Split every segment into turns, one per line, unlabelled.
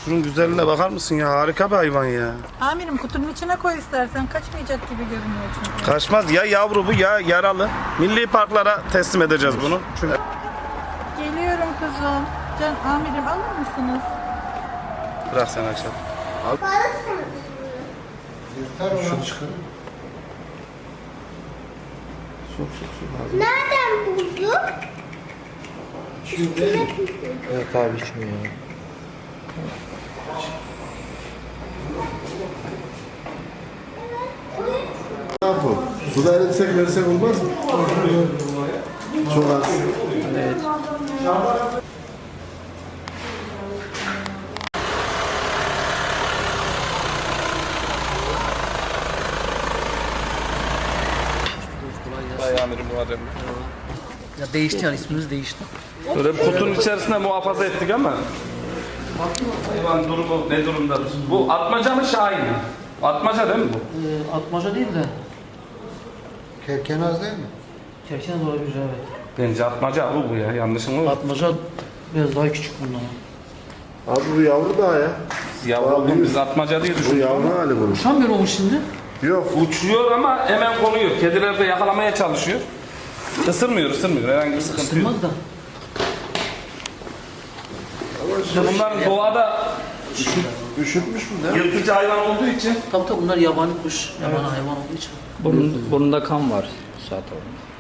Şunun güzelliğine bakar mısın ya? Harika bir hayvan ya.
Amirim kutunun içine koy istersen. Kaçmayacak gibi görünüyor çünkü.
Kaçmaz ya, yavru bu ya yaralı. Milli parklara teslim edeceğiz bunu. Çünkü...
Geliyorum kızım. Amirim alır mısınız?
Bırak sen açalım.
Şunu çıkarın. Sok.
Nereden bulduk?
Şimdi yok abi içmiyor ya. Ne yapalım? Suda eritsek versek olmaz mı? Çok az.
Evet.
Vay amirim Muharrem.
Ya değişti yani ismimiz değişti.
Böyle bir kutunun içerisinde muhafaza ettik ama hayvan durumu ne durumdadır? Bu atmaca mı Şahin mi? Atmaca değil mi bu?
Atmaca değil de
Kerkenaz değil mi?
kerkene olabilir evet.
Bence atmaca bu ya, yanlışım mı?
Atmaca biraz daha küçük bundan.
Abi bu yavru daha ya.
Yavru
Abi,
biz atmaca diye
Bu
düşünüyoruz.
yavru hali bunun.
Uçamıyor mu şimdi?
Yok.
Uçuyor ama hemen konuyor. Kediler de yakalamaya çalışıyor. Isırmıyor. Herhangi bir sıkıntı yok.
Isırmaz da.
İşte bunların doğada
Üşütmüş mü ne?
yırtıcı hayvan olduğu için
Tabii bunlar yabani kuş, yabani hayvan olduğu için.
Burnunda kan var zaten.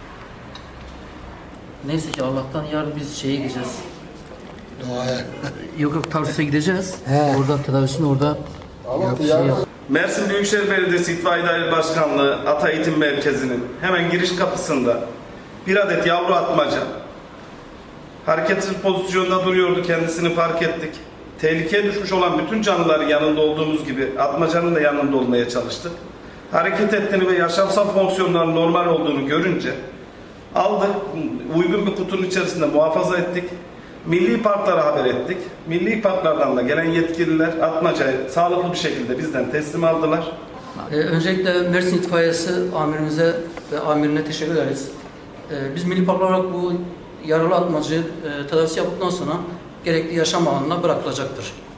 Neyse ki Allah'tan yarın biz şeye gideceğiz.
Doğaya.
Yok Tarsus'a gideceğiz. Orada tedavisini orada yap.
Mersin Büyükşehir Belediyesi İtfaiye Daire Başkanlığı Ata Eğitim Merkezi'nin hemen giriş kapısında bir adet yavru atmaca hareketsiz pozisyonda duruyordu. Kendisini fark ettik. Tehlikeye düşmüş olan bütün canlıların yanında olduğumuz gibi atmacanın da yanında olmaya çalıştık. Hareket ettiğini ve yaşamsal fonksiyonların normal olduğunu görünce aldık. Uygun bir kutunun içerisinde muhafaza ettik. Milli parklara haber ettik. Milli parklardan da gelen yetkililer atmacayı sağlıklı bir şekilde bizden teslim aldılar.
Öncelikle Mersin İtfaiyesi amirimize ve amirine teşekkür ederiz. Biz milli park olarak bu yaralı atmacı tedavisi yaptıktan sonra gerekli yaşam alanına bırakılacaktır.